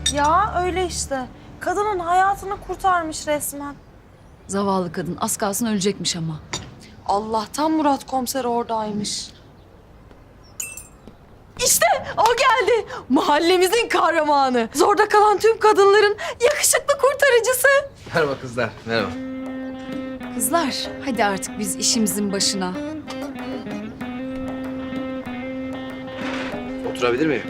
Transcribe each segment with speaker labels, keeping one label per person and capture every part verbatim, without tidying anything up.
Speaker 1: Ya öyle işte. Kadının hayatını kurtarmış resmen.
Speaker 2: Zavallı kadın az kalsın ölecekmiş ama.
Speaker 1: Allah'tan Murat komiser oradaymış. İşte o geldi. Mahallemizin kahramanı. Zorda kalan tüm kadınların yakışıklı kurtarıcısı.
Speaker 3: Merhaba kızlar, merhaba.
Speaker 2: Kızlar hadi artık biz işimizin başına.
Speaker 3: Oturabilir miyim?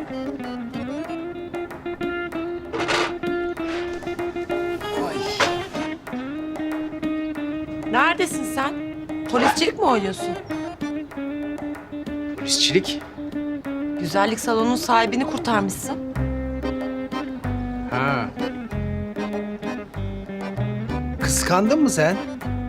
Speaker 4: Neredesin sen? Polisçilik mi oynuyorsun?
Speaker 3: Polisçilik.
Speaker 4: Güzellik salonunun sahibini kurtarmışsın.
Speaker 3: Ha. Kıskandın mı sen?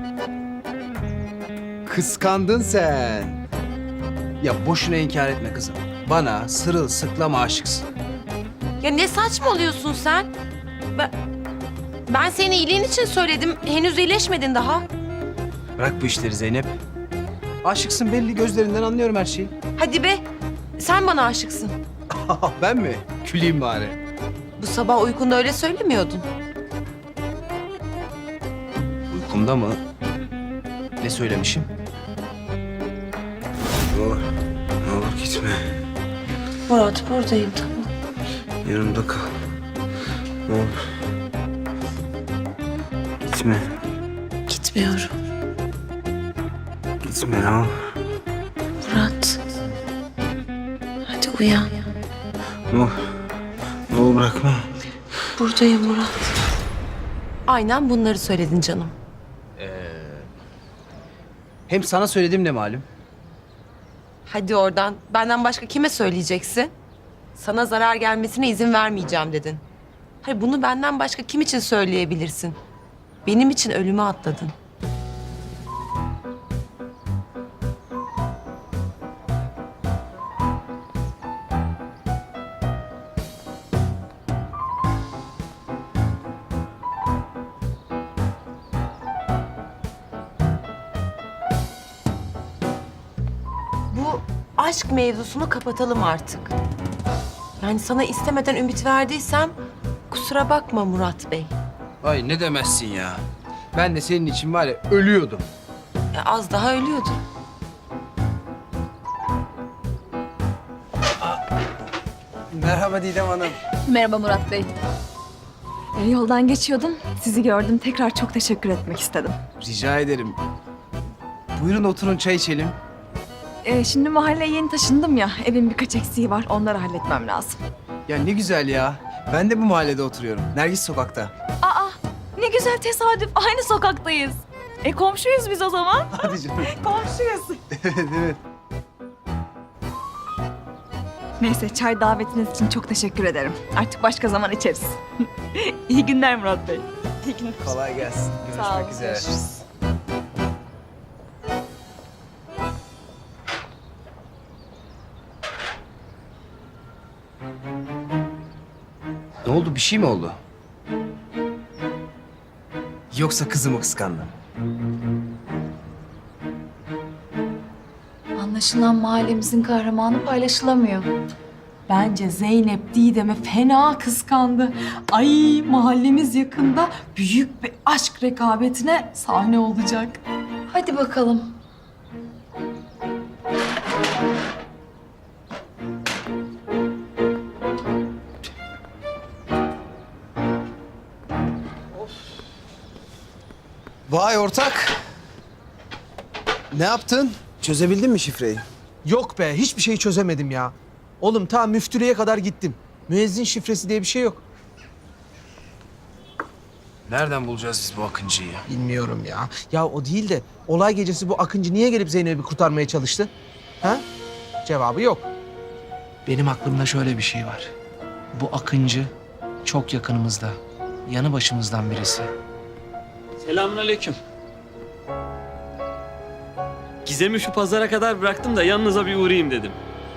Speaker 3: Kıskandın sen. Ya boşuna inkar etme kızım. Bana sırılsıklam aşıksın.
Speaker 4: Ya ne saçmalıyorsun sen? Ben, ben senin iyiliğin için söyledim. Henüz iyileşmedin daha.
Speaker 3: Bırak bu işleri Zeynep. Aşıksın belli, gözlerinden anlıyorum her şeyi.
Speaker 4: Hadi be. Sen bana aşıksın.
Speaker 3: Ben mi? Küleyim bari.
Speaker 4: Bu sabah uykunda öyle söylemiyordun.
Speaker 3: Uykumda mı? Ne söylemişim? Ne olur, ne olur gitme.
Speaker 4: Murat buradayım tamam.
Speaker 3: Yanımda kal. Ne olur. Gitme.
Speaker 4: Gitmiyorum.
Speaker 3: Gitme ne olur.
Speaker 4: Murat. Hadi uyan.
Speaker 3: Ne olur. Ne olur bırakma.
Speaker 4: Buradayım Murat. Aynen bunları söyledin canım.
Speaker 3: Hem sana söyledim ne malum.
Speaker 4: Hadi oradan. Benden başka kime söyleyeceksin? Sana zarar gelmesine izin vermeyeceğim dedin. Hayır bunu benden başka kim için söyleyebilirsin? Benim için ölüme atladın. Bu aşk mevzusunu kapatalım artık. Yani sana istemeden ümit verdiysem kusura bakma Murat Bey.
Speaker 3: Ay ne demezsin ya. Ben de senin için var ya ölüyordum.
Speaker 4: E, az daha ölüyordun.
Speaker 3: Merhaba Didem Hanım.
Speaker 5: Merhaba Murat Bey. Ee, yoldan geçiyordum. Sizi gördüm. Tekrar çok teşekkür etmek istedim.
Speaker 3: Rica ederim. Buyurun oturun çay içelim.
Speaker 5: Ee, şimdi mahalleye yeni taşındım ya. Evin birkaç eksiği var. Onları halletmem lazım.
Speaker 3: Ya ne güzel ya. Ben de bu mahallede oturuyorum. Nergis sokakta.
Speaker 5: Aa, ne güzel tesadüf. Aynı sokaktayız. E komşuyuz biz o zaman.
Speaker 3: Hadi canım.
Speaker 5: Komşuyuz.
Speaker 3: Evet evet.
Speaker 5: Neyse çay davetiniz için çok teşekkür ederim. Artık başka zaman içeriz. İyi günler Murat Bey. İyi günler.
Speaker 3: Kolay gelsin. Görüşmek
Speaker 5: Sağ olun,
Speaker 3: üzere.
Speaker 5: görüşürüz.
Speaker 3: Ne oldu? Bir şey mi oldu? Yoksa kızımı kıskandın?
Speaker 2: Anlaşılan mahallemizin kahramanı paylaşılamıyor.
Speaker 6: Bence Zeynep Didem'e fena kıskandı. Ay mahallemiz yakında büyük bir aşk rekabetine sahne olacak.
Speaker 2: Hadi bakalım.
Speaker 3: Vay ortak. Ne yaptın? Çözebildin mi şifreyi?
Speaker 7: Yok be, hiçbir şeyi çözemedim ya. Oğlum ta müftülüğe kadar gittim. Müezzin şifresi diye bir şey yok.
Speaker 3: Nereden bulacağız biz bu Akıncı'yı?
Speaker 7: Bilmiyorum ya. Ya o değil de olay gecesi bu Akıncı niye gelip Zeynep'i kurtarmaya çalıştı? Ha? Cevabı yok.
Speaker 8: Benim aklımda şöyle bir şey var. Bu Akıncı çok yakınımızda. Yanı başımızdan birisi.
Speaker 9: Selamünaleyküm. Gizem'i şu pazara kadar bıraktım da yanınıza bir uğrayayım dedim.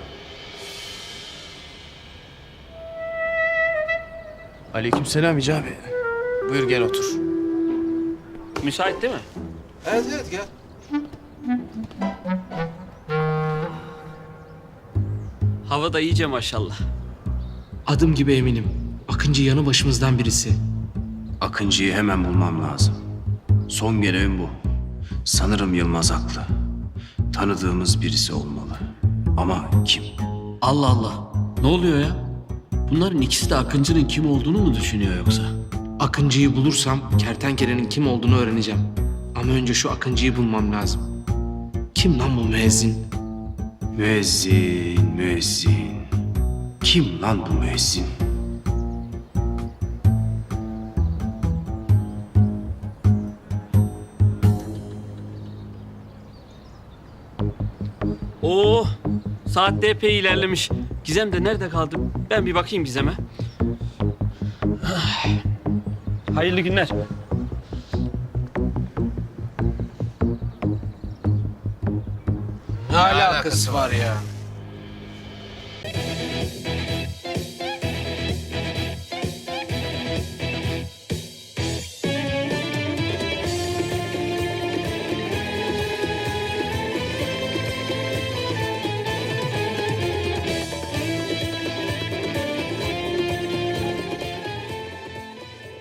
Speaker 3: Aleykümselam Hicabi. Buyur gel otur.
Speaker 9: Müsait değil mi?
Speaker 3: Evet evet gel.
Speaker 9: Hava da iyice maşallah.
Speaker 8: Adım gibi eminim. Akıncı yanı başımızdan birisi.
Speaker 3: Akıncı'yı hemen bulmam lazım. Son görevim bu. Sanırım Yılmaz haklı. Tanıdığımız birisi olmalı. Ama kim?
Speaker 9: Allah Allah. Ne oluyor ya? Bunların ikisi de Akıncı'nın kim olduğunu mu düşünüyor yoksa?
Speaker 8: Akıncı'yı bulursam kertenkelenin kim olduğunu öğreneceğim. Ama önce şu Akıncı'yı bulmam lazım. Kim lan bu müezzin?
Speaker 3: Müezzin, müezzin. Kim lan bu müezzin?
Speaker 9: Oo, saat de epey ilerlemiş. Gizem de nerede kaldı? Ben bir bakayım Gizem'e. Hayırlı günler.
Speaker 8: Ne alakası var ya?